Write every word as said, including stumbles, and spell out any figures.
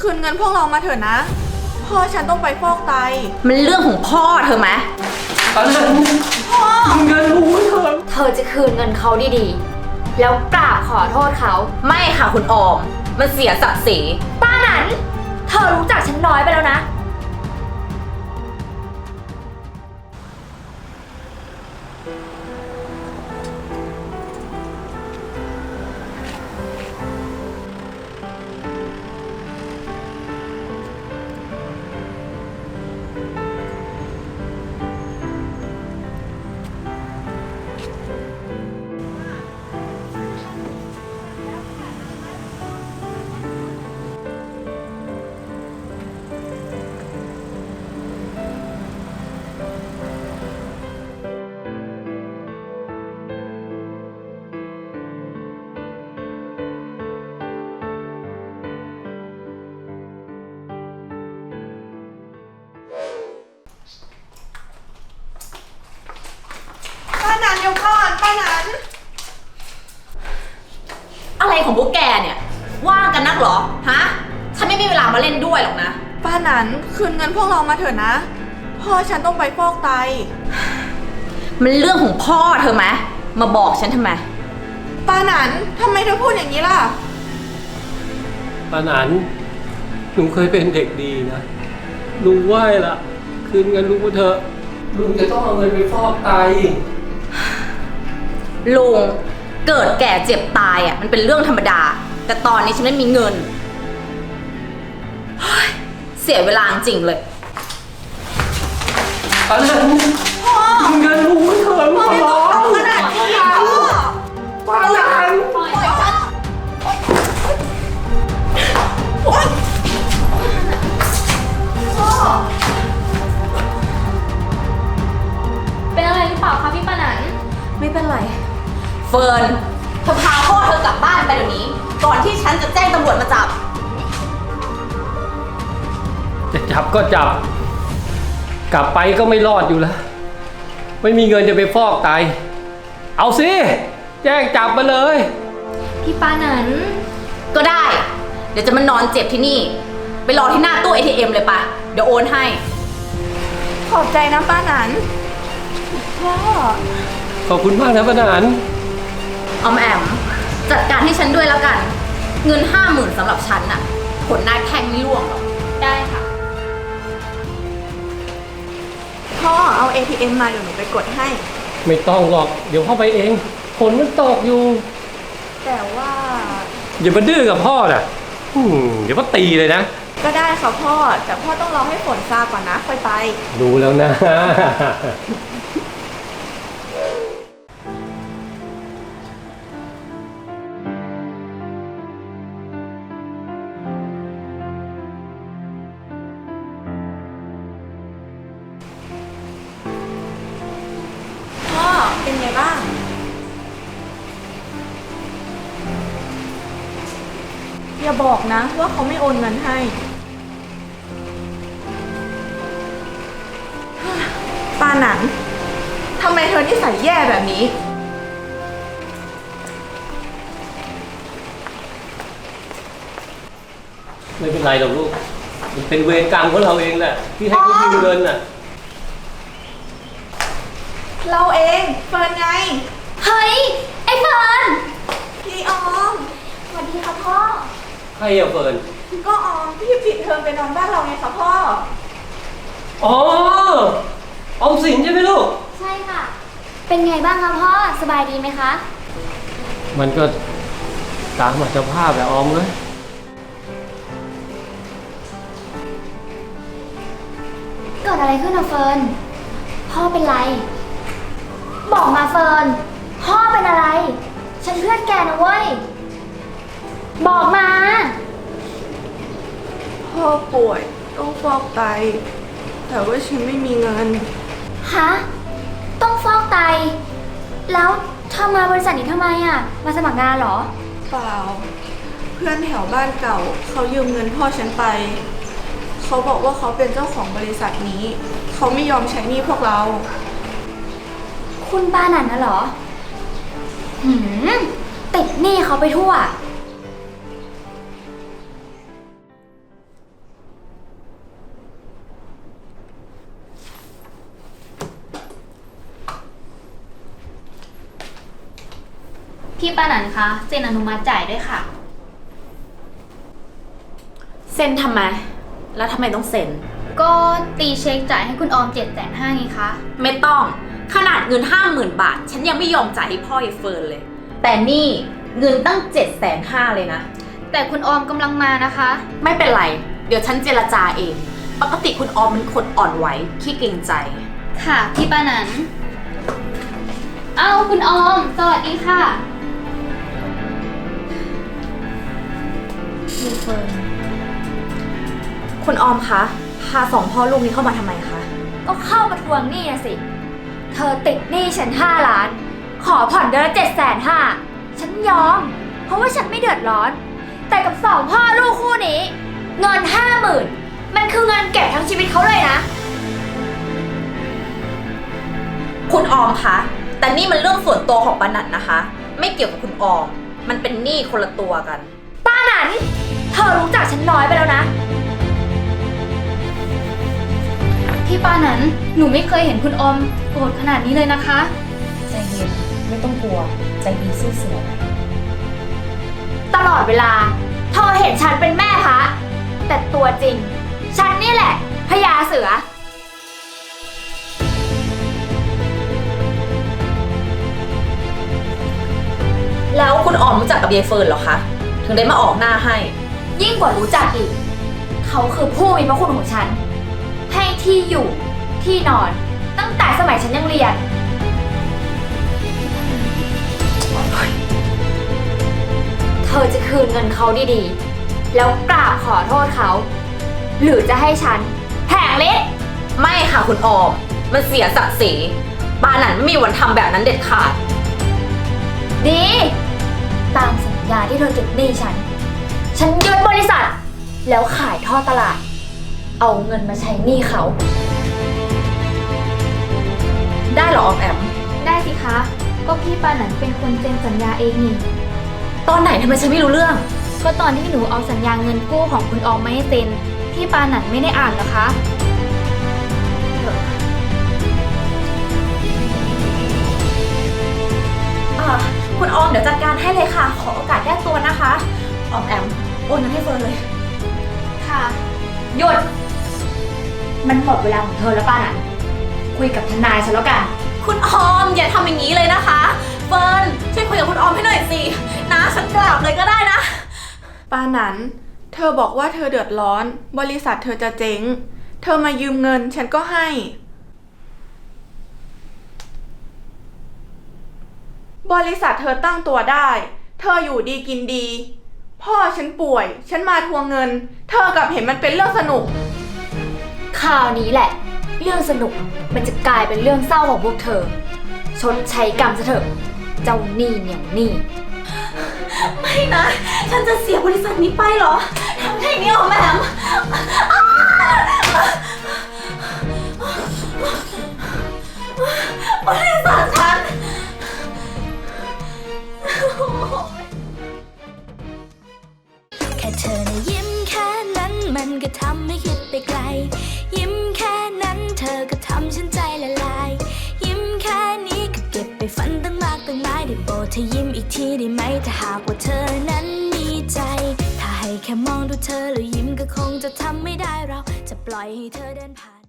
คืนเงินพวกเรามาเถอะนะพ่อฉันต้องไปฟอกไตมันเรื่องของพ่อเธอไหมตอนนั้นพ่อเงินรู้เธอเธอจะคืนเงินเขาดีๆแล้วกราบขอโทษเขาไม่ค่ะคุณออมมันเสียศักดิ์ศรีป้านั้นเธอรู้จักฉันน้อยไปแล้วนะป้านันเดี๋ยวก่อนป้านันอะไรของพวกแกเนี่ยว่างกันนักเหรอฮะฉันไม่มีเวลามาเล่นด้วยหรอกนะป้านันคืนเงินพวกเรามาเถอะนะพ่อฉันต้องไปฟอกไตมันเรื่องของพ่อเธอไหมมาบอกฉันทำไมป้านันทำไมเธอพูดอย่างนี้ล่ะป้านันลุงเคยเป็นเด็กดีนะลุงไหว้ละคืนเงินลุงมาเถอะลุงจะต้องเอาเงินไปฟอกไตลุงเกิดแก่เจ็บตายอ่ะมันเป็นเรื่องธรรมดาแต่ตอนนี้ฉันไม่มีเงินเสียเวลาจริงเลยป้านันพ่อเงินลุงมาเถอะพ่อไม่ต้องทำขนาดนี้พ่อป้านันเป็นอะไรหรือเปล่าคะพี่ปานันไม่เป็นไรเฟิร์นเธอพาพ่อเธอกลับบ้านไปเดี๋ยวนี้ก่อนที่ฉันจะแจ้งตำรวจมาจับจะจับก็จับกลับไปก็ไม่รอดอยู่แล้วไม่มีเงินจะไปฟอกไตเอาสิแจ้งจับมาเลยพี่ปานันก็ได้เดี๋ยวจะมานอนเจ็บที่นี่ไปรอที่หน้าตู้ เอ ที เอ็ม เลยปะเดี๋ยวโอนให้ขอบใจนะป้านันพ่อขอบคุณมากนะป้านันออมแอมจัดการให้ฉันด้วยแล้วกันเงินห้าหมื่นสำหรับฉันน่ะผลนายแทงไม่ร่วงหรอกได้ค่ะพ่อเอา เอ ที เอ็ม มาเดี๋ยวหนูไปกดให้ไม่ต้องหรอกเดี๋ยวพ่อไปเองฝนมันตกอยู่แต่ว่าอย่ามาดื้อกับพ่อน่ะเดี๋ยวพ่อตีเลยนะก็ได้ค่ะพ่อแต่พ่อต้องรอให้ฝนซาก่อนนะค่อยไปรู้แล้วนะพ่อเป็นไงบ้างอย่าบอกนะว่าเขาไม่โอนเงินให้ป้าหนังทำไมเธอนิสัยแย่แบบนี้ไม่เป็นไรหรอกลูกมันเป็นเวรกรรมของเราเองแหละที่ให้เขายืมเงินน่ะเราเองเฟิร์นไงเฮ้ยไอ้เฟิร์นพี่ออมสวัสดีค่ะพ่อใครอะเฟิร์นก็ออมพี่ปิดเทอมไปนอนบ้านเราไงคะพ่ออ๋อออมสินใช่ไหมลูกใช่ค่ะเป็นไงบ้างคะพ่อสบายดีไหมคะมันก็ตามอัตภาพแหละออมเลยเกิดอะไรขึ้นอะเฟิร์นพ่อเป็นไรบอกมาเฟิร์นพ่อเป็นอะไรฉันเพื่อนแกนะเว้ยบอกมาพ่อป่วยต้องฟอกไตแต่ว่าฉันไม่มีเงินฮะต้องฟอกไตแล้วเธอมาบริษัทนี้ทำไมอะมาสมัครงานเหรอเปล่าเพื่อนแถวบ้านเก่าเขายืมเงินพ่อฉันไปเขาบอกว่าเขาเป็นเจ้าของบริษัทนี้เขาไม่ยอมใช้หนี้พวกเราคุณป้านันนะเหรอหืมติดหนี้เขาไปทั่วพี่ปานันคะเซ็นอนุมัติจ่ายด้วยค่ะเซ็นทำไม แล้วทำไมต้องเซ็นก็ตีเช็คจ่ายให้คุณออมเจ็ดแสนห้าไงคะไม่ต้อง ขนาดเงินห้าหมื่นบาท ฉันยังไม่ยอมจ่ายให้พ่อไอ้เฟิร์นเลย แต่นี่เงินตั้งเจ็ดแสนห้าเลยนะแต่คุณออมกำลังมานะคะไม่เป็นไร เดี๋ยวฉันเจรจาเอง ปกติคุณออมเป็นคนอ่อนไหวขี้เกรงใจค่ะพี่ปานันเอ้าคุณออม สวัสดีค่ะมีเฟิร์นคุณออมคะ พาสองพ่อลูกนี้เข้ามาทำไมคะก็เข้ามาทวงหนี้นะสิ เธอติดหนี้ฉันห้าล้าน ขอผ่อนเดือนละเจ็ดแสนห้าฉันยอม เพราะว่าฉันไม่เดือดร้อน แต่กับสองพ่อลูกคู่นี้ เงินห้าหมื่นมันคือเงินเก็บทั้งชีวิตเขาเลยนะคุณออมคะ แต่นี่มันเรื่องส่วนตัวของปานันนะคะ ไม่เกี่ยวกับคุณออม มันเป็นหนี้คนละตัวกันป้าหนันเธอรู้จักฉันน้อยไปแล้วนะ พี่ป้านันหนูไม่เคยเห็นคุณออมโกรธขนาดนี้เลยนะคะใจเย็น ไม่ต้องกลัว ใจดีสู้เสือตลอดเวลาเธอเห็นฉันเป็นแม่พระแต่ตัวจริง ฉันนี่แหละพญาเสือแล้วคุณออมรู้จักกับยายเฟิร์นเหรอคะ ถึงได้มาออกหน้าให้ยิ่งกว่ารู้จักอีก เขาคือผู้มีพระคุณของฉัน ให้ที่อยู่ที่นอน ตั้งแต่สมัยฉันยังเรียน เธอจะคืนเงินเขาดีๆ แล้วกราบขอโทษเขา หรือจะให้ฉันแผงเล็กไม่ค่ะคุณออม มันเสียศักดิ์ศรีปานันไม่มีวันทำแบบนั้นเด็ดขาดดี ตามสัญญาที่เธอติดหนี้ฉัน ฉันยึดบริษัท แล้วขายท่อตลาด เอาเงินมาใช้หนี้เขาได้เหรอออมแอมได้สิคะ ก็พี่ปานันเป็นคนเซ็นสัญญาเองนี่ตอนไหนทำไมฉันไม่รู้เรื่องก็ตอนที่หนูเอาสัญญาเงินกู้ของคุณออมมาให้เซ็น พี่ปานันไม่ได้อ่านเหรอคะอ่าคุณออมเดี๋ยวจัดการให้เลยค่ะ ขอโอกาสแก้ตัวนะคะ ออมแอมโอนเงินให้เฟิร์นเลยค่ะ หยุด มันหมดเวลาของเธอแล้วป้านันคุยกับทนายฉันแล้วกันคุณออมอย่าทำอย่างนี้เลยนะคะ เฟิร์นช่วยคุยกับคุณออมให้หน่อยสินะฉันกราบเลยก็ได้นะปานันเธอบอกว่าเธอเดือดร้อน บริษัทเธอจะเจ๊ง เธอมายืมเงินฉันก็ให้ บริษัทเธอตั้งตัวได้ เธออยู่ดีกินดี พ่อฉันป่วย ฉันมาทวงเงิน เธอกลับเห็นมันเป็นเรื่องสนุกคราวนี้แหละ เรื่องสนุกมันจะกลายเป็นเรื่องเศร้าของพวกเธอ ชดใช้กรรมซะเถอะ เจ้าหนี้เหนียวหนี้ไม่นะ ฉันจะเสียบริษัทนี้ไปเหรอทำไงเนี่ยออมแอมบริษัทฉันแค่เธอนะยิ้มแค่นั้นมันก็ทำให้คิดไปไกล ยิ้มแค่นั้นเธอก็ทำฉันใจละลาย ยิ้มแค่นี้ก็เก็บไปฝันตั้งมากตั้งหลายได้โปรดเธอยิ้มอีกทีได้ไหมถ้าหากว่าเธอนั้นมีใจ ถ้าให้แค่มองดูเธอแล้วยิ้มก็คงจะทำไม่ได้เราจะปล่อยให้เธอเดินผ่าน